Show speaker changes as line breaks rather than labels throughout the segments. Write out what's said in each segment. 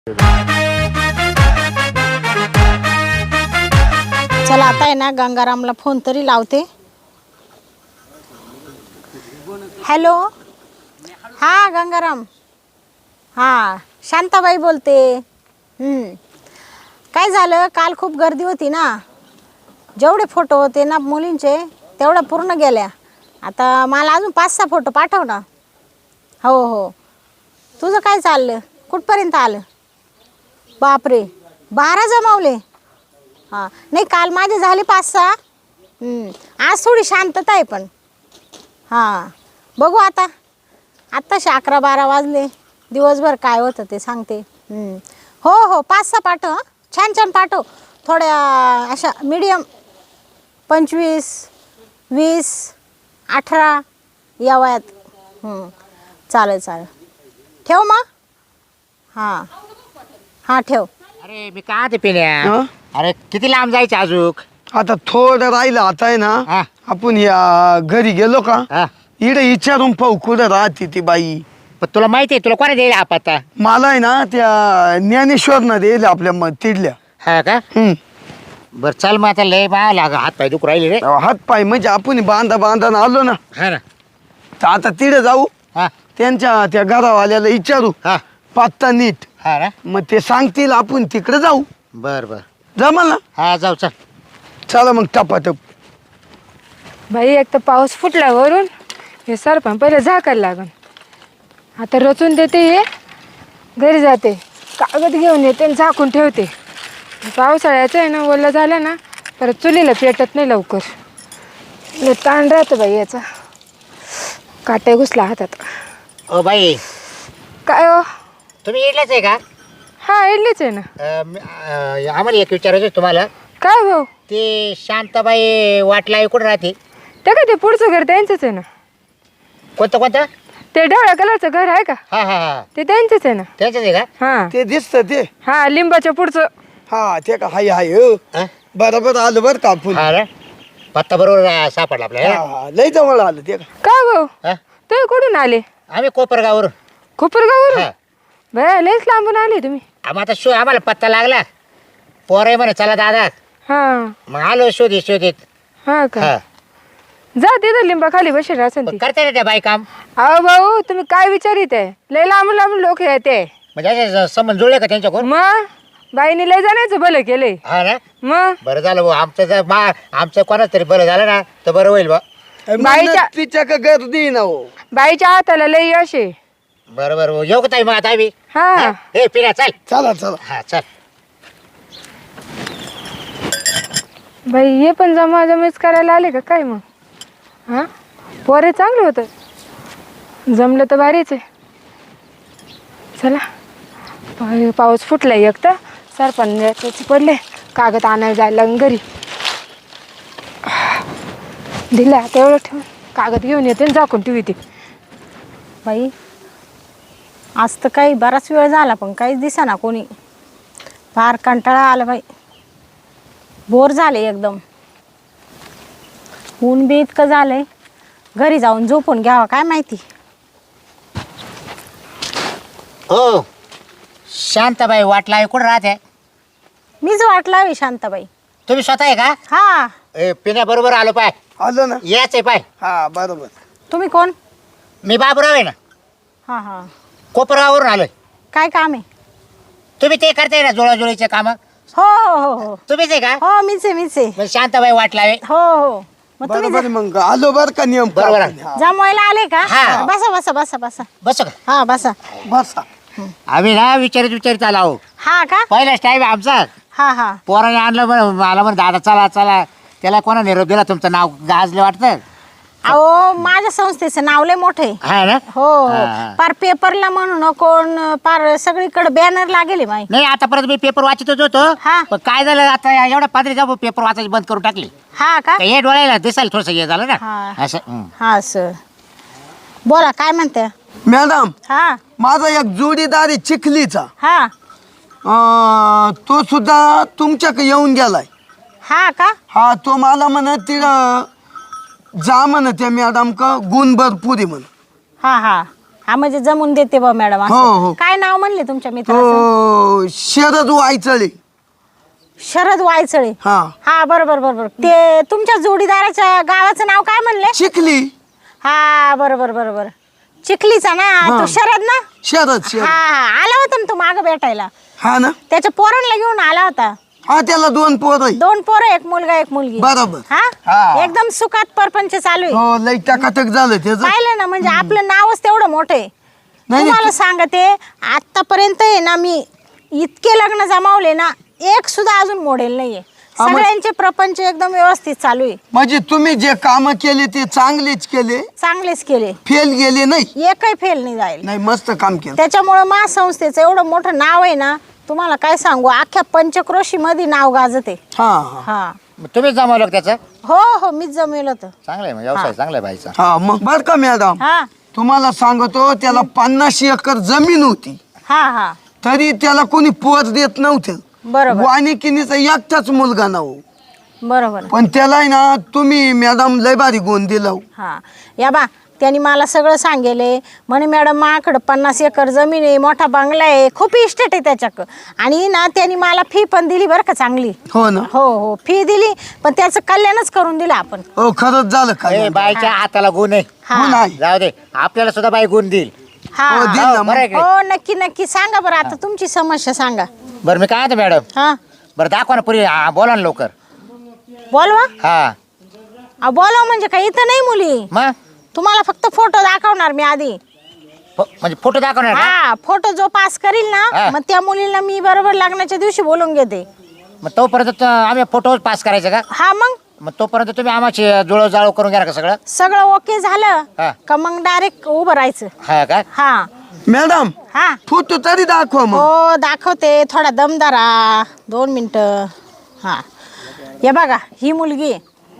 चला आता आहे ना गंगारामला फोन तरी लावते. हॅलो, हा गंगाराम, हा शांताबाई बोलते. काय झालं, काल खूप गर्दी होती ना, जेवढे फोटो होते ना मुलींचे तेवढ्या पूर्ण गेल्या. आता मला अजून 5-6 फोटो पाठव ना. हो हो, तुझं काय चाललं, कुठपर्यंत आलं? बापरे, 12 जमावले. हां नाही, काल माझे झाले 5-6. आज थोडी शांतता आहे, पण हां बघू आता. आत्ताशी 11-12 वाजले, दिवसभर काय होतं ते सांगते. हो हो, 5-6 पाठव. छान छान पाठव, थोड्या अशा मीडियम, 25, 20, 18 या वयात. चालेल चालेल, ठेव मग. हां हां ठेव.
अरे मी का ते पिण्या, अरे किती लांब जायचं अजून?
आता थोडं राहिलं. आता आहे ना, आपण या घरी गेलो का, इकडे विचारून पाहू कुठं राहते ती बाई.
पण तुला माहिती आहे, तुला कोणा देईल हा पत्ता?
मला आहे ना त्या ज्ञानेश्वरनं देईल आपल्या तिडल्या.
हा का? बरं चल मग, आता लय बा लाग, हात पाय दुख राहिले रे.
हात पाय म्हणजे आपण बांधा आलो ना,
हा ना.
तर आता तिकडे जाऊ,
हा
त्यांच्या त्या घरावाल्याला विचारू
हा
पत्ता नीट.
हा ना.
मग ते सांगतील, आपण तिकडे जाऊ.
बर बर,
जमल ना?
हा जाऊ चल.
चला मग टपाटप.
बाई, एक तर पाऊस फुटला वरून, हे सरपण पहिले झाकायला लागन. आता रचून देते, हे घरी जाते, कागद घेऊन येते आणि झाकून ठेवते. पावसाळ्याचं आहे ना, ओलं झालं ना परत चुलीला पेटत नाही लवकर. लय ताण राहतं बाई याचा, काटे घुसला हातात.
ओ बाई,
काय हो?
तुम्ही इडलेच आहे का?
हा, इडलीच आहे ना.
आम्हाला एक विचारायचं आहे तुम्हाला.
काय भाऊ?
ते शांताबाई वाटला कुठं राहते?
ते काय, ते पुढचं घर त्यांचंच आहे ना.
कोणतं?
ते ढवळ्या कलरचं घर आहे का,
हा हा हा,
ते त्यांचंच आहे ना.
त्यांचंच आहे का?
हा
ते दिसतं ते.
हा, लिंबाच्या पुढचं.
हा ते का, हाय हाय हो.
हा?
बरोबर आलं बरं का आपण.
हा ना, पत्ता बरोबर सापडला आपल्याला.
हा, लय जवळ आलं ते का.
काय भाऊ,
हा?
तुम्ही कुठून आले?
आम्ही कोपरगाववरून.
कोपरगाववरून?
हा.
बया, लयच लांबून आले तुम्ही.
आता आम्हाला पत्ता लागला, पोरं म्हणे चला दादा,
हा
मग आलो शोधित.
हा का,
हा.
जा तिथं लिंबा खाली बसेल असेल ती.
करते ना त्या बाई काम?
अहो भाऊ, तुम्ही काय विचारित आहे? लय लांबून लोक येते.
म्हणजे असे संबंध जुळले का त्यांच्याकडून?
मग बाईने लय जाण्याचं भलं केलंय.
हा ना.
मग
बरं झालं भाऊ, आमचं कोणाच तरी बरं झालं ना, तर बरं होईल बा.
म्हणलं तिच्या का गर्दी ना हो.
बाईच्या हाताला लय यश आहे.
बरं येऊ का ताई मग आता आम्ही?
हा
हे पिण्या चल.
चला चला.
हा चल.
बाई, हे पण जमाजमीच करायला आले का काय मग? हा, पोरे चांगलं होतं, जमलं तर भारीच आहे. चला, पाऊस फुटलाय एक तर, सरपंच पडले, कागद आणायला जायला घरी. दिला तेवढं ठेवून, कागद घेऊन येते आणि झाकून ठेवी ती.
बाई, आज तर काही बराच वेळ झाला पण काहीच दिसेना कोणी. फार कंटाळा आला बाई, बोर झाले एकदम. ऊन बी इतकं झालंय, घरी जाऊन झोपून घ्यावा काय माहिती.
हो, शांताबाई वाटला कुठं राहते?
मीच वाट लावी शांताबाई.
तुम्ही स्वतः आहे का?
हा.
पिण्या बरोबर आलो पाय.
आलो ना.
याच आहे पाय.
हा बरोबर.
तुम्ही कोण?
मी बाबूराव आहे ना,
हां हां.
कोपरगाववरून आलोय.
काय काम आहे?
तुम्ही ते करताय ना जुळाजुळीचे काम?
हो हो हो हो
तुम्हीच आहे का?
हो, मीच आहे.
मग शांताबाई वाटला आहे.
हो हो, मग तुम्ही
बरोबर मग आलो बर का नियम
बरोबर.
पाळून. हा.
जमवायला आले का?
हा.
बसा.
बसो का?
हा बसा.
बसा.
आम्ही ना विचारित आलो आहो.
हा का?
पहिलाच टाईम आमचा.
हा.
पोराने आणलं मला म्हण दादा चला. त्याला कोणा निरोप दिला? तुमचं नाव गाजलं वाटतं.
अहो, माझ्या संस्थेचं नाव लय मोठे.
हा ना.
हो, पार पेपरला म्हणून कोण, पार सगळीकडे बॅनर लागेल माई.
नाही, आतापर्यंत मी पेपर वाचतच होतो.
हा.
पण काय झालं, आता एवढ्या पातळी जाऊ पेपर वाचायची बंद करून टाकली.
हा का?
हे डोळ्याला दिसायला थोडंसं हे झालं ना
हा.
असं.
हा सर, बोला काय म्हणते?
मॅडम,
हा
माझा एक जोडीदार आहे चिखलीचा.
हा
तो सुद्धा तुमच्याकडे येऊन गेलाय.
हा का?
हा, तो मला म्हणत तिथं जा म्हणत त्या मॅडम का गुण भरपूर आहे म्हण.
हा हा म्हणजे जमून देते बा मॅडम असं.
हो, हो.
काय नाव म्हणले तुमच्या मित्राचं?
हो शरद वायचळे.
शरद वायचळे.
हा
हा बरोबर बरोबर. ते तुमच्या जोडीदाराच्या गावाचं नाव काय म्हणले?
शिकली.
हा बरोबर बरोबर. चिखलीचा ना तो शरद ना?
शरद
हा
शरद.
हा आला होता ना तो माग भेटायला.
हा ना.
त्याच्या पोरांना घेऊन आला होता.
हा त्याला 2 पोरं आहे.
2 पोरं, एक मुलगा एक मुलगी.
बरोबर.
हा
हा.
एकदम सुखात परपंच चालू आहे.
हो लई टकाटक झालं त्याचं.
पाहिलं ना म्हणजे आपलं नावच तेवढं मोठं आहे.
नाही,
तुम्हाला सांगते आतापर्यंत आहे ना मी इतके लग्न जमावले ना एक सुद्धा अजून मॉडेल नाहीये.
हा, मग-
सगळ्यांचे प्रपंच एकदम व्यवस्थित चालू आहे.
म्हणजे तुम्ही जे काम केले ते चांगलेच केले,
चांगलेच केले,
फेल गेले नाही.
एकही फेल नाही जाईल.
नाही मस्त काम केलं.
त्याच्यामुळे मा संस्थेचं एवढं मोठं नाव आहे ना, तुम्हाला काय सांगू, अख्ख्या पंचक्रोशी मध्ये नाव गाजते.
हा हा
हा
मग तुम्हीच जमवलं का त्याचं?
हो हो मीच जमेल होतं.
चांगलं आहे मग, व्यवसाय चांगला आहे बाईचा.
हा मग बर का मॅडम,
हा
तुम्हाला सांगतो त्याला 50 एकर जमीन होती
हा हा
तरी त्याला कोणी पोर देत नव्हतं.
बरोबर
वानिकिनीचा एकटाच मुलगा ना हो.
बरोबर.
पण त्याला आहे ना तुम्ही मॅडम लय भारी गुण दिला.
हा या बा त्यांनी मला सगळं सांगेले म्हणे मॅडम माझ्याकडं 50 एकर जमीन आहे, मोठा बंगला आहे, खूप इस्टेट आहे त्याच्याकडं. आणि ना त्यांनी मला फी पण दिली बरं का चांगली.
हो ना.
हो हो फी दिली पण त्याचं कल्याणच करून दिलं आपण.
हो खरंच झालं
ए,
काय.
बाईच्या हाताला गुण आहे.
हा
गुण आहे.
जाऊ दे, आपल्याला सुद्धा बाई गुण देईल.
हा
हो, दिल ना मग.
बरं आहे की?
हो नक्की नक्की सांगा बरं आता तुमची समस्या सांगा.
बरं मी काय म्हणतो मॅडम,
हा
बरं दाखवा ना पुरी, बोला ना लवकर.
बोलवा.
हा
बोलवा म्हणजे काय इथं नाही मुली,
मग
तुम्हाला फक्त फोटो दाखवणार मी आधी.
म्हणजे फोटो दाखवणार का?
हा फोटो जो पास करील ना
हा.
मग त्या मुलीला मी बरोबर लग्नाच्या दिवशी बोलून घेते.
मग तोपर्यंत आम्ही फोटो पास करायचं का?
हा मग
तोपर्यंत तुम्ही आम्हाची जुळव जाळव करून घ्या का सगळं?
सगळं ओके झालं
हा.
का मग डायरेक्ट उभं राहायचं.
हा का?
हा
मॅडम
हा
फोटो तरी दाखवा मग.
हो दाखवते, थोडा दमदारा 2 मिनिटं. हा हे बघा ही मुलगी आहे.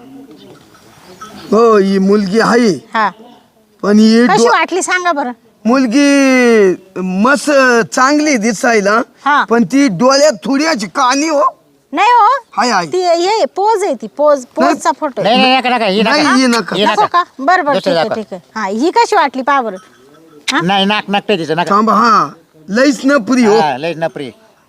हो ही मुलगी आहे
हा
पण ही
कशी वाटली सांगा बरं.
मुलगी मस्त चांगली दिसायला,
हा.
पण ती डोळ्यात थोडी कानी हो.
नाही हो
हाय हाय.
ती हे पोज आहे, ती पोजचा फोटो
नाही नाही नका नका, ही
नाही,
नका.
ही नका.
ही
नको का? बरं बरं
दुसरी
ठीक आहे
दाखवा.
ठीक आहे. हा ही कशी वाटली पहा बरं. हा?
नाही नाक नाकटे तिचं नका.
थांबा. हा लईच न पुरी हो.
हा, लय नपरी.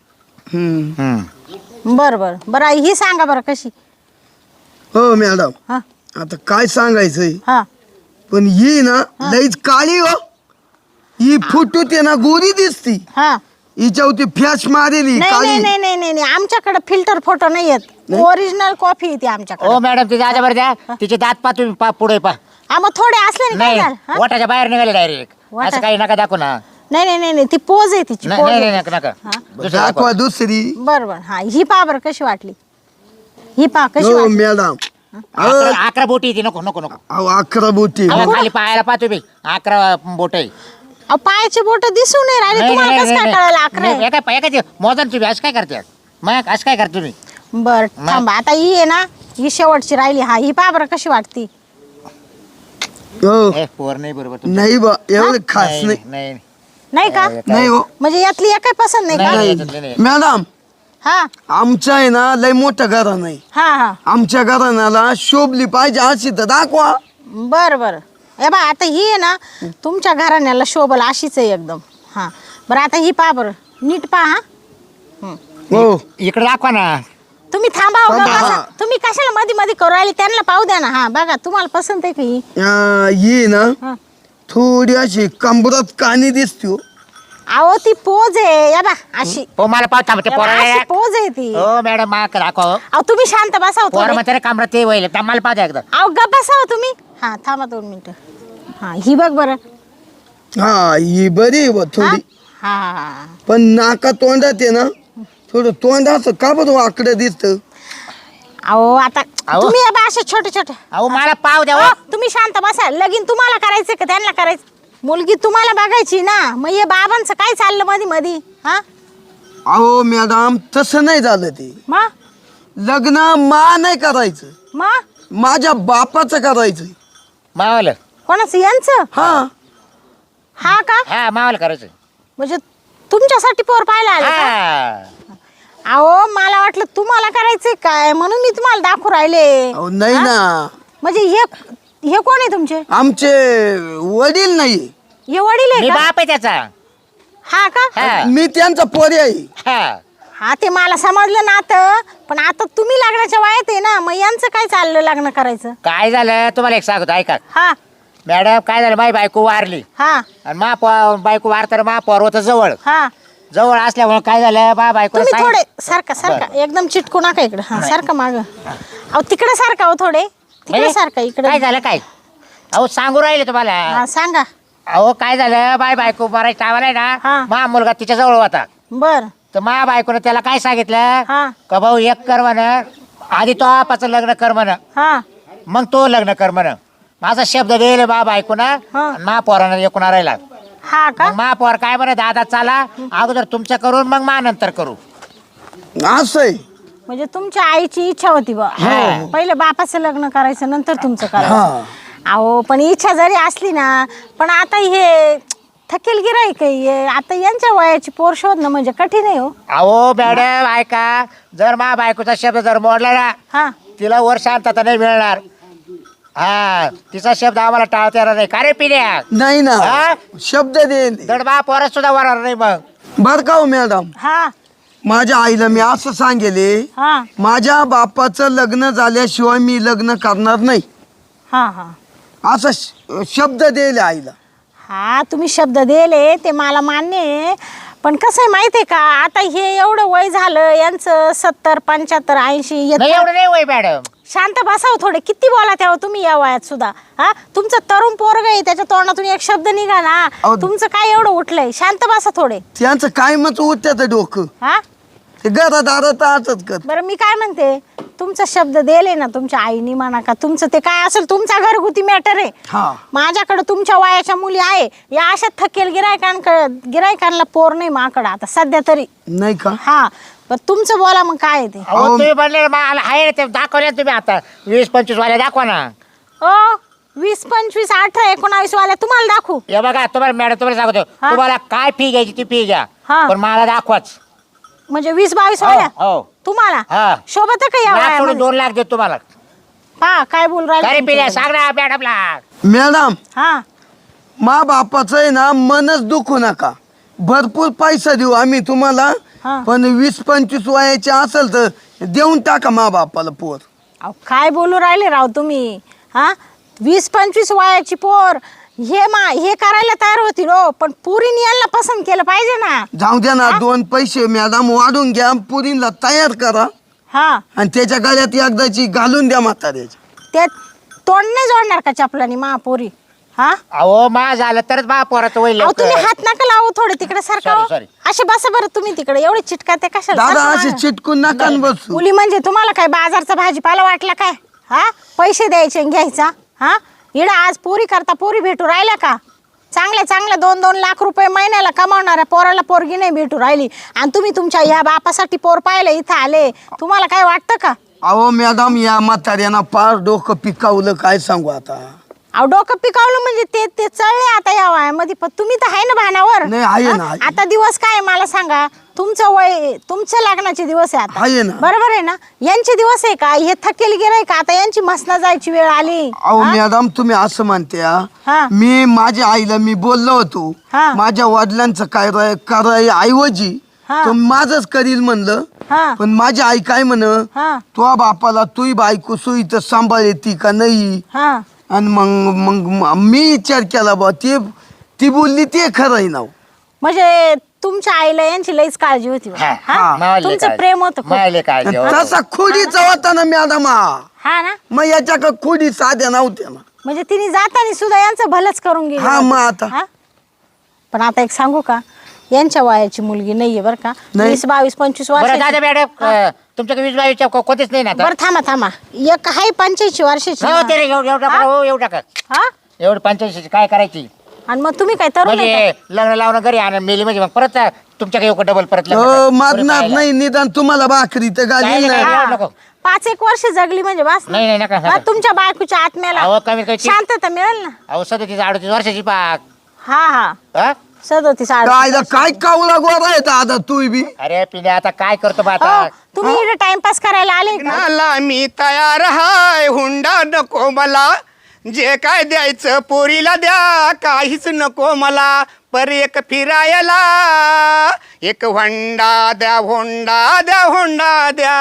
हम्म.
बरं बरं बरं ही सांगा बरं कशी.
हो मॅडम
हा
आता काय सांगायचंय,
हा
पण ही ना लईच काळी हो. ही फुटू ते ना गोरी दिसती,
हा
हिच्यावरती फॅश मारेली
नाही नाही
काळी.
नाही नाही नाही नाही आमच्याकडे फिल्टर फोटो नाही येत, ओरिजिनल कॉफी येते आमच्याकडे.
ओ मॅडम तिथे आजा बरं द्या, तिचे दात पा तुम्ही पा पुढे पा.
हा मग थोडे असले ना काय
नाही
झालं, हा?
वाटाच्या बाहेर निघाले डायरेक्ट.
वाटा-
असं काही नका दाखवू ना.
नाही नाही नाही नाही ती पोज आहे तिची
नाही
पोज
नाही
आहे.
नका नका.
हा?
दुसरं दाखवा.
दाखवा दुसरी.
बरं बरं हा ही पहा बरं कशी वाटली. ही पहा कशी
हो
वाटली.
मॅडम.
11 बोटी येते, नको नको नको.
अहो 11 बोटी.
अहो, खाली पाहायला पाहतो मी 11 बोट आहे.
अहो, पायाचे बोट दिसून नाही राहिले तुम्हाला कसं काय कळायला 11 आहे?
एका मोजन तुम्ही असं काय करते? मग असं काय करते तुम्ही?
बरं थांबा आता ही आहे ना ही शेवटची राहिली. हा ही पहा बरं कशी वाटती.
हो
ए, पोर नाही बरोबर तुमचं.
नाही बा एवढं खास
नाही
नाही.
नाही
नाही का
नाही हो
म्हणजे यातली एकही पसंत नाही का?
नाही, याच्यातले नाही.
मॅडम
हा
आमच्या आहे ना लय मोठं घरा नाही.
हा हा
आमच्या घराण्याला शोभली पाहिजे अशी तर दाखवा.
बरं बरं ए बा आता ही आहे ना तुमच्या घराण्याला शोभल अशीच आहे एकदम. हा बरं आता ही पहा बरं नीट पहा. हा
हो
इकडे दाखवा ना.
तुम्ही थांबा हो
थांबा,
बघा.
हा.
तुम्ही कशाला मध्ये मध्ये करू राहिले त्यांना पाहू द्या ना. हा बघा तुम्हाला पसंत आहे का ही.
ही ना
हा.
थोडी अशी कंबरात कानी दिसते हो.
अहो ती पोज आहे या बा अशी.
हो मला पाहत थांबते
या बा,
पोर.
अशी पोज आहे ती.
हो मॅडम माक दाखवा हो.
अहो तुम्ही शांत बसा हो
पोर
थोडे.
म्हणते कामरा ते वहिले मला पाहता एकदा.
अहो गप्प बसा हो तुम्ही. हा थांबा 2 मिनिटं. हा ही बघ बरं.
हा ही बरी आहे बा
हा
थोडी,
हा हा.
पण नाका तोंडात आहे ना थोडं तोंड असं का बरं वाकडं दिसतं.
अहो आता
अहो.
तुम्ही या बा असे छोटे छोटे.
अहो मला पाव द्या हो.
अहो, तुम्ही शांत बसा. लगीन तुम्हाला करायचं का त्यांना करायचं. मुलगी तुम्हाला बघायची ना मग हे बाबांचं काय चाललं मध्ये मध्ये. हा
अहो मॅडम तसं नाही झालं ते.
मग
लग्न मा नाही करायचं,
मग
माझ्या बापाचं करायचं.
मावाला.
कोणाचं यांचं.
हा
हा का
हा मावाला करायचं.
म्हणजे तुमच्यासाठी पोर पाहायला आले का?
हा.
अहो मला वाटलं तुम्हाला करायचंय काय म्हणून मी तुम्हाला दाखवू राहिले.
अहो नाही
हा?
ना
म्हणजे हे कोण आहे तुमचे.
आमचे वडील नाही.
हे वडील
मी
आहे का?
बाप आहे त्याचा.
हा का?
हा.
मी त्यांचा पोरी आहे.
हा.
हा ते मला समजलं ना आता. पण आता तुम्ही लग्नाच्या वयात आहे ना, मग यांचं काय चाललं लग्न करायचं?
काय झालं तुम्हाला एक सांगतो ऐका
हा
मॅडम. काय झालं, माझी बायको वारली
हा
आणि बायको वारताना महापौर होतं जवळ.
हा
जवळ असल्यामुळे काय झालं, बायको
तुम्ही थोडे सारखा एकदम चिटकू नका इकडे. हा सारखा माग. अहो तिकडे सारखा हो थोडे. तिकडे सारखा इकडे.
काय झालं काय? अहो सांगू राहिले तुम्हाला.
हा सांगा.
अहो काय झालं, बायको मारायच्या टायमाला आहे
हा.
ना, मा मुलगा तिच्या जवळ होता.
बर
तर मा बायकोनं त्याला काय सांगितलं
हा
का भाऊ एक कर म्हण, आधी तो आपाचं लग्न कर म्हण,
हा
मग तो लग्न कर म्हण. माझा शब्द दिले बायकोनं.
हा.
मा पोरानं एकूण राहिला.
हा का?
मग मा पोर काय म्हणे, दादा चला अगोदर तुमचं करून मग मा नंतर करू.
असं आहे.
म्हणजे तुमच्या आईची इच्छा होती बा
हा.
पहिले बापाचं लग्न करायचं नंतर तुमचं
हा.
करायचं. अहो पण इच्छा जरी असली ना, पण आता हे थकेल गिराईक आहे. आता यांच्या वयाची पोर शोधणं म्हणजे कठीण आहे हो.
अहो मॅडम ऐका, जर मा बायकोचा शब्द जर मोडला ना,
हा
तिला वर शांतता नाही मिळणार. हा तिचा शब्द आम्हाला टाळता येणार नाही. का रे पिण्या?
नाही ना,
हा?
शब्द देईल.
दड बा पोरात सुद्धा वरणार नाही मग.
बर का हो मॅडम,
हा
माझ्या आईला मी असं सांगेले,
हा
माझ्या बापाचं लग्न झाल्याशिवाय मी लग्न करणार नाही,
हा हा
असं शब्द देईल आईला.
हा तुम्ही शब्द दिले ते मला मान्य आहे. पण कसं आहे माहिती आहे का, आता हे एवढं वय झालं यांचं 70, 75, 80
नाही एवढं नाही वय मॅडम.
शांत बसाव थोडे. किती बोला तेव्हा तुम्ही या वयात सुद्धा. हा तुमचं तरुण पोरग आहे, त्याच्या तोंडातून एक शब्द निघा ना.
अहो.
तुमचं काय एवढं उठलंय? शांत बसा थोडे.
त्यांचं काय मत उठत्याचं डोकं,
हा
ते घरात आरत असंच कर.
बरं मी काय म्हणते, तुमचा शब्द दिले ना तुमच्या आईनी म्हणा का तुमचं ते काय असेल तुमचा घरगुती मॅटर आहे.
हा
माझ्याकडे तुमच्या वयाच्या मुली आहे. या अशा थकेल गिरायकांना पोर नाही माकडं आता सध्या तरी.
नाही का?
हा पण तुमचं बोला मग काय आहे ते.
अहो तुम्ही म्हणले मला आहे ना, ते दाखवले ना तुम्ही आता 20-25 वाल्या दाखवा ना.
ओ 20, 25, 18, 19 वाल्या तुम्हाला दाखवू?
हे बघा तुम्हाला मॅडम तुम्हाला सांगतो,
हा.
तुम्हाला काय फी घ्यायची ती फी घ्या,
हा.
पण मला दाखवाच.
म्हणजे 20, 22
हो,
वाल्या
हो.
तुम्हाला
हा.
शोभत का या
लाख सोडून
वयामध्ये?
2 लाख देतो तुम्हाला.
हा काय बोल
अरे
राहिले
पिल्या
तुम्ही?
सांग ना मॅडमला.
मॅडम,
हा
मा बापाचं आहे ना, मनच दुखू नका. भरपूर पैसा देऊ आम्ही तुम्हाला,
हा.
पण 20-25 वयाचे असेल तर देऊन टाका मा बापाला पोर.
अहो, काय बोलू राहिले राव तुम्ही. हा 20, 25 वयाची पोर हे करायला तयार होतील हो, पण पुरीने यांना पसंत केलं पाहिजे ना.
जाऊ द्या ना, 2 पैसे मॅडम वाढून घ्या, पुरीला तयार करा
हा
आणि त्याच्या गळ्यात एकदाची घालून द्या म्हाताऱ्याची.
ते तोंड नाही जोडणार का चपलानी महापोरी? हा
अहो मा झालं तरच मा पोराचं वय
अहो तुम्ही
लवकर.
हात नका लावू थोडे तिकडे सारखा.
Sorry, sorry.
असे बसा बरं तुम्ही तिकडे. एवढे चिटका ते कशाला?
दादा
बसा
असे
मागं.
चिटकून नका न बसू.
मुली म्हणजे तुम्हाला काय बाजारचा भाजीपाला वाटला काय? हा पैसे द्यायचे आणि घ्यायचा. हा इडा आज पोरी करता पोरी भेटू राहिल्या का? चांगल्या 2-2 लाख रुपये महिन्याला कमावणाऱ्या पोराला पोरगी नाही भेटू राहिली आणि तुम्ही तुमच्या या बापासाठी पोर पाहिलं इथं आले. तुम्हाला काय वाटतं का?
अहो मॅडम, या म्हाताऱ्यानं पार डोकं पिकावलं, काय सांगू आता.
अहो डोकं पिकावलं म्हणजे ते चळले आता या वयामध्ये. पण तुम्ही तर आहे ना भानावर.
नाही, आहे ना,
हा?
आहे.
आता दिवस काय मला सांगा. तुमचं वय तुमच्या लग्नाचे दिवस आहे आता.
आहे ना.
बरोबर आहे ना. यांचे दिवस आहे का? हे थकेल गेलंय का? आता यांची मसना जायची वेळ आली.
अहो
हा?
मॅडम, तुम्ही असं म्हणत्या.
हा.
मी माझ्या आईला मी बोललो होतो,
हा.
माझ्या वडिलांचं कराय ऐवजी
हा.
तो माझंच करील म्हणलं.
हा.
पण माझी आई काय म्हण,
हा.
तो बापाला तुही बायको सोयी तर सांभाळ येते का नाही.
हा
आणि मग मी विचार केला बा, ती बोलली ते खरं आहे ना.
म्हणजे तुमच्या आईला यांची लईच काळजी होती बा.
हा,
हा?
हा. मावाले
तुमचं
काळजी.
प्रेम होतं खूप.
मावाले काळजी, हो.
तसा खोडीचा होता ना मॅडम.
हा ना.
मग याच्या का खोडी साध्या नव्हत्या ना.
म्हणजे तिने जाताना सुद्धा यांचं भलंच करून गेली.
हा, मग आता.
हा? पण आता एक सांगू का, यांच्या वयाची मुलगी नाहीये बरं का.
नाही.
20, 22, 25
बरं
वर्ष.
दादा मॅडम तुमच्याकडे 20-22 कोणतेच नाही ना आता?
बरं थांबा. एक आहे 85 वर्षाची.
हो ते रे, एवढं टाका,
हा?
हो एवढं टाका.
हा
एवढं 85 काय करायची?
आणि मग तुम्ही काय तरुण आहे
म्हणजे लग्न लावणं घरी आणि मेली म्हणजे मग परत तुमच्याकडे येऊ डबल परत लग्न करा.
मारणार
पुढे
नाही, निदान तुम्हाला भाकरी तर घालील
नाही,
ना.
नाही.
का?
नको.
5-1 वर्ष जगली म्हणजे बस ना.
नाही नका
हा, तुमच्या बायकोच्या आत्म्याला
अहो, कमीत कमी
शांतता मिळेल ना.
अहो 37-38 वर्षाची पाक.
हा
हा?
37, 38.
काय काय कावला गोरा आहे आता तू बी.
अरे पिण्या आता काय करतो बा
हो,
आता?
तुम्ही इकडे टाइमपास करायला आले का?
नाला मी तयार हाय, हुंडा नको मला. जे काय द्यायचं पोरीला द्या, काहीच नको मला, पर एक फिरायला एक होंडा द्या, होंडा द्या, होंडा द्या.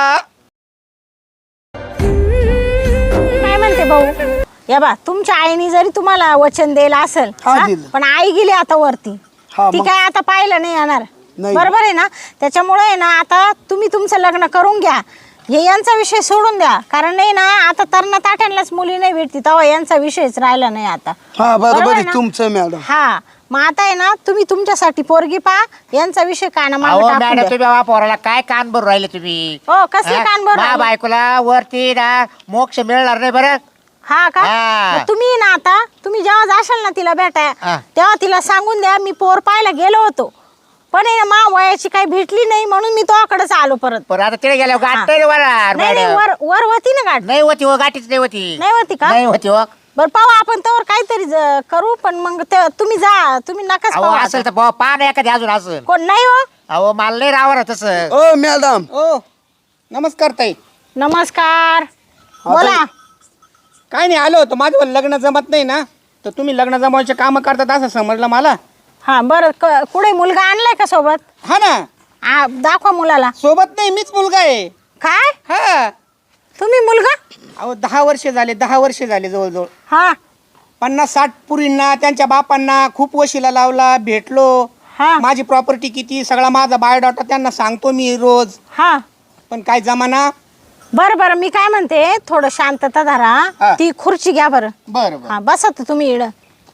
काय म्हणते भाऊ? या बा, तुमच्या आईने जरी तुम्हाला वचन दिलं असेल,
हा,
हा?
दिलं.
पण आई गेली आता वरती.
हा,
ती
मग?
काय आता पाहिलं नाही येणार.
नाही.
बरोबर आहे ना? त्याच्यामुळे आहे ना, आता तुम्ही तुमचं लग्न करून घ्या. हे यांचा विषय सोडून द्या. कारण नाही ना, आता तरणा ताट्यांनाच मुली नाही भेटती, तेव्हा यांचा विषयच राहिला नाही आता.
हा बरोबर
आहे
आहे
ना?
तुमचं मॅडम.
हा, मग आता आहे ना, तुम्ही तुमच्यासाठी पोरगी पहा, यांचा विषय काना
अहो
मागे टाकून
मॅडम,
द्या.
तुम्ही बाबा पोराला काय कान भरून राहिले तुम्ही?
हो, कसले कान भरून राहिले?
बायकोला वरती ना मोक्ष मिळणार नाही बरं.
हा का?
हा.
मग तुम्ही ना आता, तुम्ही जेव्हा जाशाल ना तिला भेटाय,
हा.
तेव्हा तिला सांगून द्या मी पोर पाहायला गेलो होतो, पण आहे ना मा वयाची काही भेटली नाही, म्हणून मी तोकडेच आलो परत.
पण आता तिथे गेल्यावर गाठ नाही वर
नाही नाही, वर होती ना गाठ.
नाही होती हो, गाठीच नाही होती.
नाही होती का?
नाही होती हो.
बरं पाहू आपण त्यावर काहीतरी करू, पण मग तुम्ही जा, तुम्ही नकाच
अहो
पाहू
असेल
आता.
तर पहा ना एखादी अजून असेल.
कोण नाही हो?
अहो मला नाही राहणार तसं.
ओ मॅडम,
ओ नमस्कार ताई.
नमस्कार, बोला.
काय नाही, आलो होतो, माझं लग्न जमत नाही ना, तर तुम्ही लग्न जमवायचे कामं करतात असं समजलं मला.
हा बरं, कुठे मुलगा आणलाय का सोबत?
हा ना,
दाखवा मुलाला.
सोबत नाही, मीच मुलगा आहे.
काय?
हा,
तुम्ही मुलगा?
अहो 10 वर्ष झाले, 10 वर्ष झाले जवळजवळ.
हा
50-60 पुरींना त्यांच्या बापांना खूप वशिला लावला, भेटलो.
हा
माझी प्रॉपर्टी किती सगळा माझा बायोडाटा त्यांना सांगतो मी रोज,
हा.
पण काय जमाना.
बरं बरं, मी काय म्हणते, थोडं शांतता धरा.
हा.
ती खुर्ची घ्या बरं.
बरं बरं.
हा, बसा तर तुम्ही इड.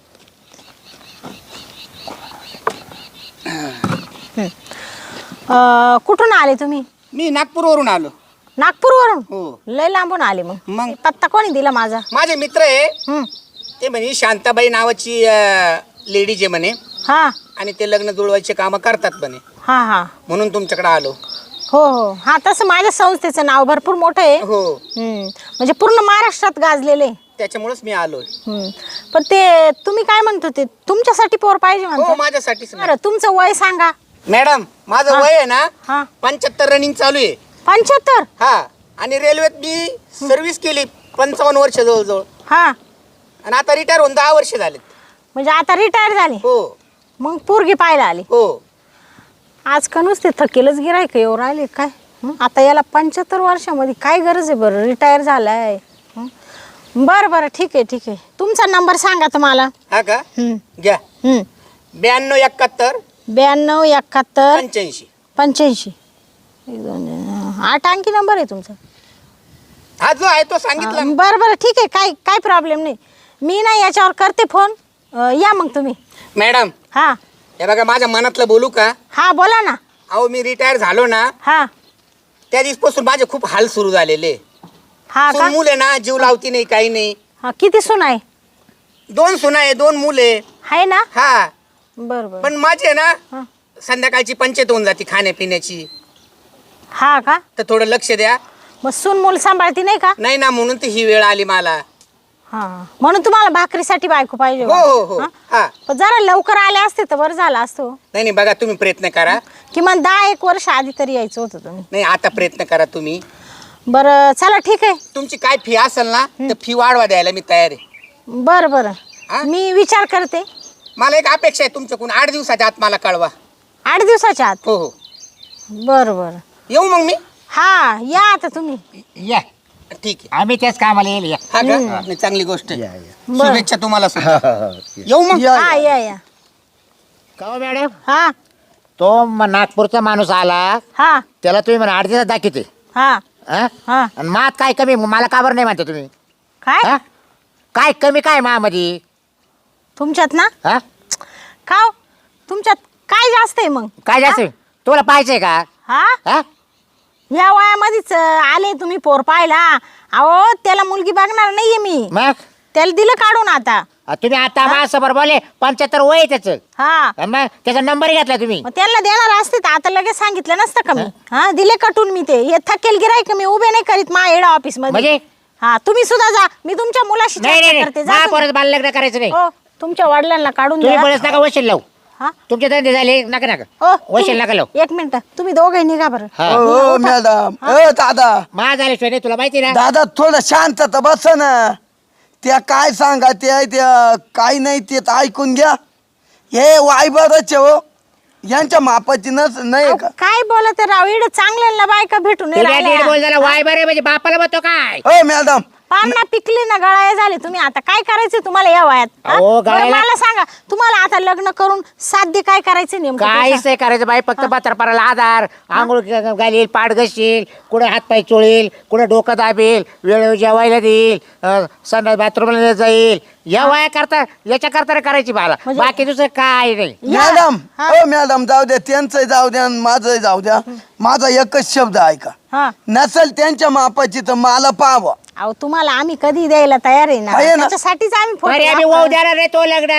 कुठून आले तुम्ही?
मी नागपूरवरून आलो.
नागपूरवरून?
हो.
लय लांबून आले मग.
मग?
पत्ता कोणी दिला माझा?
माझे मित्र आहे,
हं.
ते म्हणे शांताबाई नावाची लेडीज आहे म्हणे,
हा
आणि ते लग्न जुळवायचे कामं करतात म्हणे,
हा हा.
म्हणून तुमच्याकडे आलो.
हो हो, हा तसं माझ्या संस्थेचं नाव भरपूर मोठं आहे.
हो,
म्हणजे पूर्ण महाराष्ट्रात गाजलेले.
त्याच्यामुळेच मी आलोय.
पण ते तुम्ही काय म्हणत होते, तुमच्यासाठी पोर पाहिजे
हो,
म्हणतो?
माझ्यासाठीच.
बरं, तुमचं वय सांगा.
मॅडम माझं
हा.
वय आहे ना
हा
75 रनिंग चालू आहे.
75?
हा, आणि रेल्वेत मी सर्व्हिस केली 55 वर्ष जवळजवळ,
हा,
आणि आता रिटायर होऊन 10 वर्ष झालेत.
म्हणजे आता रिटायर झाले,
हो
मग पोरगी पाहायला आली.
हो.
आज का नुसते थकेलच गिरायक येऊ राहिले काय? आता याला 75 वर्षामध्ये काय गरज आहे बरं, रिटायर झालाय. बरं बरं, ठीक आहे ठीक आहे. तुमचा नंबर सांगा तुम्हाला.
हा का? घ्या. 92 71
92 71
85.
85. 8 अंकी नंबर आहे तुमचा.
हा जो आहे तो सांगितला.
बरं बरं, ठीक आहे, काय प्रॉब्लेम नाही. मी ना याच्यावर करते फोन. या मग तुम्ही.
मॅडम
हा
हे बघा, माझ्या मनातलं बोलू का?
हा, बोला ना.
अहो मी रिटायर झालो ना,
हा
त्या दिवसपासून माझे खूप हाल सुरू झालेले.
हा का?
सून मुले ना जीव लावती नाही, काही नाही.
हा, किती सून आहे?
2 सुना आहे, 2 मुले.
आहे ना?
हा,
बरं बरं.
पण माझे ना
हा.
संध्याकाळची पंचायत होऊन जाते खाण्यापिण्याची,
हा का?
तर थोडं लक्ष द्या.
मग सून मूल सांभाळती नाही का?
नाही ना, म्हणून तर ही वेळ आली मला.
हा, म्हणून तुम्हाला भाकरीसाठी बायको पाहिजे
हो
बा.
हो हो.
हा?
हा,
पण जरा लवकर आले असते तर बरं झालं असतो.
नाही नाही, बघा तुम्ही प्रयत्न करा.
किमान 10-1 वर्ष आधी तरी यायचं होतं तुम्ही.
नाही, आता प्रयत्न करा तुम्ही.
बरं चला, ठीक आहे.
तुमची काय फी असेल ना, तर फी वाढवा द्यायला मी तयार आहे.
बरं बरं,
हा?
मी विचार करते.
मला एक अपेक्षा आहे तुमच्याकडून, 8 दिवसाच्या आत मला कळवा.
8 दिवसाच्या आत?
हो हो.
बरं बरं.
येऊ मग मी.
हा, या आता तुम्ही.
या,
ठीक आहे.
आम्ही त्याच कामाला येईल. या.
हा का? नाही, चांगली गोष्ट आहे.
या, या.
बरं.
शुभेच्छा तुम्हाला सुद्धा. येऊ मग.
या,
हा, या.
का हो मॅडम,
हा
तो नागपूरचा माणूस आला,
हा
त्याला तुम्ही म्हणा 8 दिवसात दाखवते.
हा
हा?
हा.
आणि मात काय कमी, मला का बरं नाही म्हणता तुम्ही?
काय
हा? काय कमी काय मामध्ये?
तुमच्यात ना?
हा?
का हो? तुमच्यात काय जास्त आहे मग?
काय जास्त तुला पाहिजे का?
हा,
हा?
या वयामध्येच आले तुम्ही पोर पाहायला. अहो त्याला मुलगी बघणार नाहीये मी,
मग
त्याला दिलं काढून आता.
तुम्ही आता माझ्यासमोर बोलले 75 वय आहे त्याचं,
हा,
आणि मग त्याचा नंबर घेतला तुम्ही.
मग त्यांना देणार असते तर आता लगेच सांगितलं नसतं का मी? हा, दिले कटून मी. ते हे थकेल गिरायक मी उभे नाही करीत मा हेड ऑफिस मध्ये.
म्हणजे?
हा, तुम्ही सुद्धा जा, मी तुमच्या मुलाशी
नाही
चर्चा
नाही
करते.
नाही,
जा
परत बाल लग्न करायचं नाही.
तुम्ही. हो, तुमच्या वडिलांना काढून
तुम्ही
द्या.
बळच नका वशील लावू.
हा,
तुमचे धंदे झाले, नका नका
हो,
वशील नका लावू.
एक मिनिट, तुम्ही दोघे निघा बरं.
हा.
ओ मॅडम, दादा
मा झाल्याशिवाय नाही, तुला माहिती ना.
दादा थोडं शांतता बस ना. त्या काय सांगा त्या काय नाही ते तर ऐकून घ्या. हे वायबरच आहे हो, यांच्या मापाची नाही
अहो,
का?
काय बोलत आहे राव, इकडे चांगल्याला बायका भेटून नाही
तिला नीट
राहिल्या.
बोल झाला वाय बरे म्हणजे बापाला म्हणतो काय
हो मॅडम,
पान्ना पिकली ना, गळाया झाले. तुम्ही आता काय करायचं तुम्हाला या वयात? हा?
अहो,
बरं,
गळायला-
मला सांगा, तुम्हाला आता लग्न करून साध्य काय करायचं नेमकं?
काहीच नाही करायचं बाई, फक्त पत्राला आधार, आंघोळ घालील, पाठ घशील, कुठे हातपाय चोळील, कुठे डोकं दाबेल, वेळेवर जेवायला देईल, संडास बाथरूमला जाईल. या वया करता याच्या करता करायची मला,
म्हणजे-
बाकी दुसरं काय नाही.
या.
मॅडम,
हा.
हो मॅडम, जाऊ द्या, त्यांचं जाऊ द्या आणि माझं जाऊ द्या. माझा एकच शब्द ऐका,
हा.
नसेल त्यांच्या मापाची तर मला पाहावं.
अहो, तुम्हाला आम्ही कधी द्यायला तयार आहे ना,
आहे ना.
त्याच्यासाठीच आम्ही फोटो
अरे आम्ही
वापरतो.
वाहू देणार नाही तो लग्न,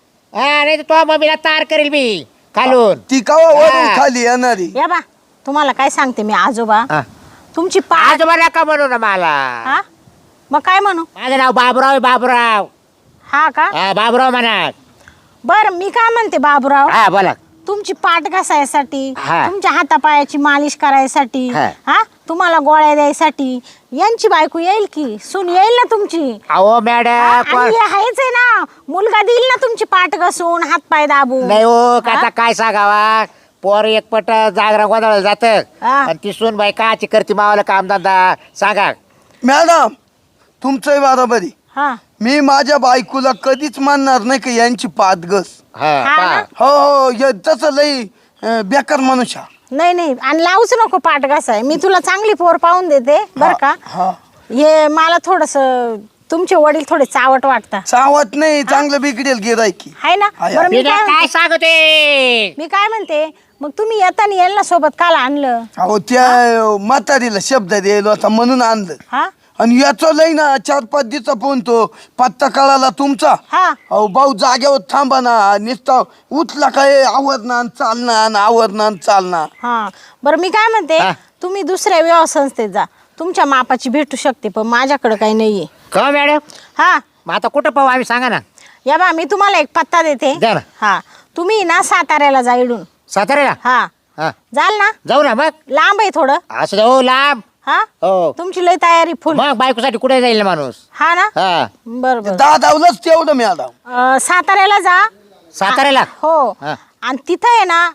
हा नाही तर तो मम्मीला तार करेल मी खालून.
ती कवा वरून
हा.
खाली येणारी.
या बा, तुम्हाला काय सांगते मी आजोबा,
हा.
तुमची पाठ.
आजोबा नका म्हणू ना मला,
हा, मग काय म्हणू?
माझं नाव बाबुराव आहे, बाबुराव.
हा का?
हा बाबुराव म्हणा.
बर, मी काय म्हणते बाबूराव,
हा बोला.
तुमची पाठ घासायसाठी,
हा.
तुमच्या हातापायाची मालिश करायसाठी,
हा.
हा, तुम्हाला गोळ्या द्यायसाठी यांची बायको येईल की, सून येईल ना तुमची?
अहो
हा,
मॅडम
आणि हे आहेच आहे ना, मुलगा देईल ना तुमची पाठ घासून, हातपाय दाबून.
नाही हो,
हा?
आता काय सांगावा, पोर एकपट जागरा गोंधळाला जात
हा.
आणि ती सून बाई काची करते मावाला कामधंदा सांगा.
मॅडम, तुमचंही बरोबर आहे.
हा.
मी माझ्या बायकोला कधीच मानणार नाही की यांची पादगस.
हा,
हा
पहा.
ना?
हो हो, तसं लई बेकार मनुष्य.
नाही नाही, आणि लावूच नको पाठ घासाय. मी तुला चांगली पोर पाहून देते बर का.
हा,
हे मला थोडस, तुमचे वडील थोडे चावट वाटतात,
चावत नाही, चांगलं बिघडेल गिरायकी.
आहे ना.
आहे.
बरं, मी
बिना
काय
काय
म्हणते-
सांगते.
मी काय म्हणते, मग तुम्ही येताना यांना सोबत काल आणलं?
अहो त्या म्हातारीला शब्द द्यायला होता म्हणून आणलं.
हा
आणि याचं लई ना 4-5 दिवसा फोन तो पत्ता कळाला तुमचा.
हा.
अहो भाऊ जागेवर थांबा ना, नुसता उठला काय आवरणार चालणार, आवरणार चालणार.
हा. बरं, मी काय म्हणते,
हा.
तुम्ही दुसऱ्या विवाह संस्थेत जा, तुमच्या मापाची भेटू शकते, पण माझ्याकडे काही नाहीये.
का मॅडम,
हा.
मग आता कुठं पाहू आम्ही सांगा ना.
या बा, मी तुम्हाला एक पत्ता देते.
द्या ना.
हा, तुम्ही ना साताऱ्याला जा इडून.
साताऱ्याला.
हा,
हा
जाल ना?
जाऊ ना मग.
लांब आहे थोडं.
असं जाऊ लांब.
हा,
हो
तुमची लय तयारी फुल.
मग बायकोसाठी कुठे जाईल ना माणूस.
हा ना.
हा
बरं बरं.
दादावलंच तेवढं मॅडम.
साताऱ्याला जा.
साताऱ्याला.
हो.
हा.
आणि तिथं आहे ना,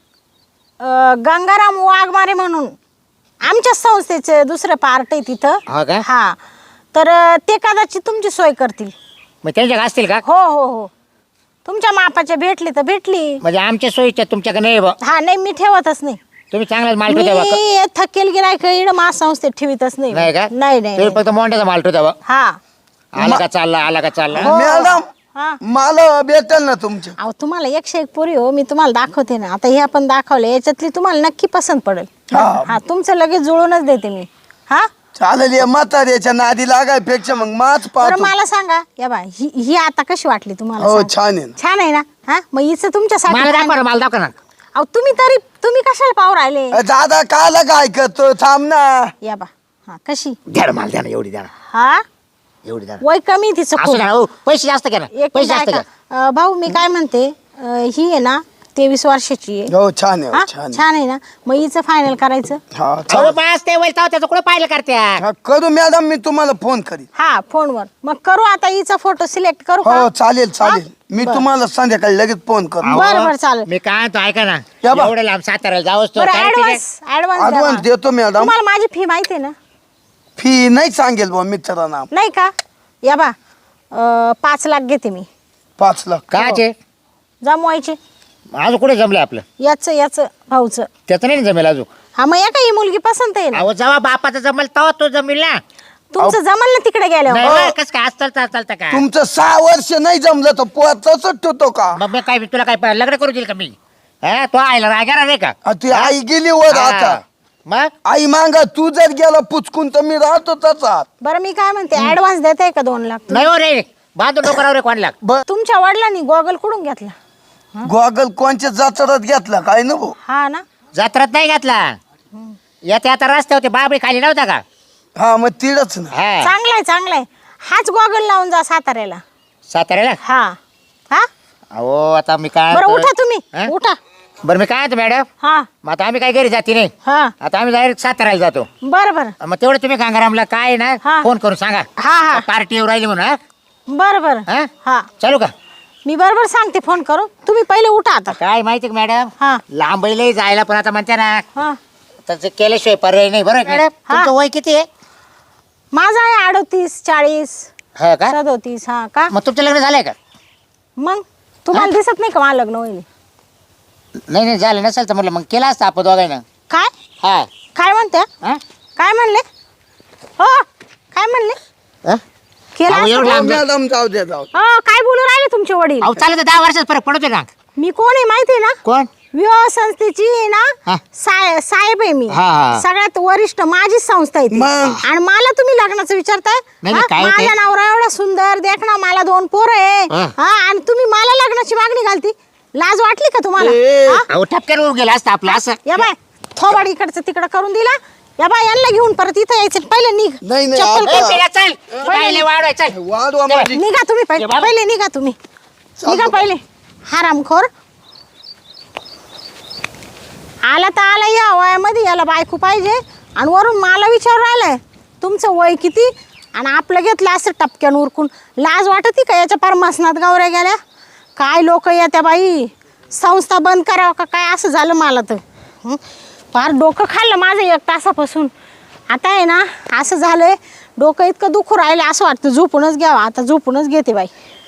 गंगाराम वाघमारे म्हणून आमच्या संस्थेचे दुसरं पार्ट आहे तिथं.
हो का?
हा, तर ते कदाचित तुमची सोय करतील.
मग त्यांच्या असतील का?
हो हो हो, तुमच्या मापाच्या भेटली तर भेटली.
म्हणजे आमच्या सोयीच्या तुमच्याकडे नाही बा.
हा, नाही मी ठेवतच नाही.
तुम्ही चांगलाच माल ठेवता बा.
मी थकेल गिरायक इड मा संस्थेत ठेवीतच नाही.
नाही का?
नाही नाही
तुम्ही
नाही.
फक्त मोंड्याचा माल ठेवता बा.
हा.
आला का चालला, आला का चालला.
हो.
मॅडम,
हा.
मला भेटेल ना तुमच्या.
अहो, तुम्हाला 101 पोरी हो, मी तुम्हाला दाखवते ना. आता हे आपण दाखवले, याच्यातली तुम्हाला नक्की पसंत पडेल.
हा.
हा, तुमचं लगेच जुळूनच देते मी. हा.
चालेल, या म्हाताऱ्याच्या नादी लागायपेक्षा मग माच
बरं,
पाहतो.
मला सांगा, या बा, ही आता कशी वाटली तुम्हाला?
हो,
सांग.
छान आहे ना.
छान आहे ना. हा, मग हिचं तुमच्यासाठी
मला
काय
दाखवा ना,
नाही.
मला दाखवा ना.
अहो, तुम्ही कशाला पाहू राहिले?
दादा काला काय करतो, थांब ना.
या बा. हा, कशी?
द्या ना मला, द्या ना एवढी द्या ना,
हा,
एवढी द्या ना.
वय कमी तिचं
असं
खूप.
द्या ना, हो, पैसे जास्त घ्या ना,
एक
पैसे
मिनिट
जास्त
ऐका.
घ्या.
भाऊ, मी काय म्हणते, ही आहे ना 23 वर्षाची आहे.
हो, छान आहे,
हा,
हो, छान आहे.
छान आहे ना. मग हिचं फायनल करायचं.
हा,
अहो
चालेल.
बस ते वैल त्याचं कुठं पाहिलं करत्या.
हा, करू मॅडम, मी तुम्हाला फोन करीन.
हा, फोनवर. मग करू आता हिचा फोटो सिलेक्ट करू
हो,
का?
चालेल चालेल.
हा?
मी
बरं.
तुम्हाला संध्याकाळी लगेच फोन करू.
अहो,
बरं, बरं, चालेल.
मी काय म्हणतो ऐका ना,
या बा.
एवढं लांब साताऱ्याला जावंच तो
बरं,
काय ठीक आहे?
ऍडव्हान्स
ऍडव्हान्स देतो मॅडम.
तुम्हाला माझी फी माहिती आहे ना?
फी नाही सांगेल बा मित्रांना.
नाही का? या बा, 5 लाख घेते मी.
5 लाख.
काचे
जमवायचे.
अजून कुठे जमलं आपलं?
याच भाऊचं.
त्याचं नाही ना जमेल अजून.
हा, मग या का ही मुलगी पसंत आहे ना?
अहो जेव्हा बापाचं जमल तेव्हा तो जमेल ना.
तुमचं जमल ना तिकडे
नाही
गेल्यावर?
बा, कसं काय असतं चालतं का?
तुमचं 6 वर्ष नाही जमलं तर पोचाच ठेवतो का?
मग मी काय तुला काय लग्न करू देईल का मी? हा, तो आयला रागारा नाही का?
ती आई गेली वर आता.
हा. मग
आई मांगा तू जर गेला पुचकून तर मी राहतो तसाच.
बरं, मी काय म्हणते, ऍडव्हान्स देताय का 2 लाख?
नाही हो रे, बांधून डोकरावर रे कोणला.
तुमच्या वडिलांनी गॉगल कुठून घेतला?
गोगल कोणच्या जाचरात घेतला काय नको.
हा ना.
जत्रात नाही घातला. येते आता रस्ते होते बाबळी खाली नव्हता का?
हा, मग तिडच ना.
हा
चांगलाय. हाच गॉगल लावून जा साताऱ्याला.
साताऱ्याला.
हा. हा,
अहो आता मी काय
बरं,
म्हणतो-
उठा तुम्ही.
हा?
उठा.
बरं मी काय म्हणतो मॅडम,
हा.
मग आता आम्ही काय घरी जाते नाही,
हा,
आता आम्ही डायरेक्ट साताऱ्याला जातो.
बरं.
मग तेवढं तुम्ही गंगारामला काय ना
हा.
फोन करून सांगा
हा.
पार्टी येऊ राहिली म्हणून. हा?
बरं बरं
हा
हा
चालू का
मी बरोबर सांगते फोन करू तुम्ही पहिले उठा आता
काय माहिती का मॅडम
हा
लांबईलाही जायला पण आता म्हणते ना
हा
त्याचं केल्याशिवाय पर्याय नाही बरं का मॅडम
हा.
तुमचं वय किती आहे
माझा आहे 38 40
हो का
37 हा का
मग तुमचं लग्न झालंय का
मग तुम्हाला दिसत नाही का मला लग्न होईल
नाही नाही झालं नसेल तर म्हटलं मग केलं असतं आपण दोघांना
काय
हा
काय म्हणते
हा?
काय म्हणले हो काय म्हणले
हा?
केलं
अहो,
असतं
एवढं
का?
लांब-
मॅडम जाऊ द्या जाऊ द्या.
हो काय बोलू राहिले तुमचे वडील
अहो चालेल तर 10 वर्षात फरक पडतो ना
मी कोण आहे माहिती आहे ना
कोण
विवाह संस्थेची आहे
हा.
ना साहेब आहे मी
हा, हा.
सगळ्यात वरिष्ठ माझीच संस्था आहे ती.
मग?
आणि मला तुम्ही लग्नाचं विचारताय
नाही,
हा?
काय ते?
माझा नवरा एवढा सुंदर देख ना मला 2 पोरं आहे
हा.
हा आणि तुम्ही मला लग्नाची मागणी घालती लाज वाटली का तुम्हाला
ए.
हा?
अहो ठपक्यात होऊन गेलं असतं आपलं असं
या बाय थोबाड इकडचं तिकडं करून दिला या बाय यांना घेऊन परत इथं यायचं पहिले निघ
नाही, नाही,
चप्पल
आता-
ए,
काढ.
पिल्या, चल पहिले वाढवाय चल
वाढवा माझी
निघा तुम्ही पहिले
ये बाबा.
पहिले निघा तुम्ही निघा पहिले हरामखोर आला तर आला या वयामध्ये याला बायको पाहिजे आणि वरून मला विचार राहिलाय तुमचं वय किती आणि आपलं घेतलं असं टपक्यान उरकून लाज वाटती का याच्या परमासनात गावऱ्या गेल्या काय लोक येत्या बाई संस्था बंद करावं का काय असं झालं मला तर हं? फार डोकं खाल्लं माझं 1 तासापासून आता आहे ना असं झालंय डोकं इतकं दुखू राहिलं असं वाटतं झोपूनच घ्यावं आता झोपूनच घेते बाई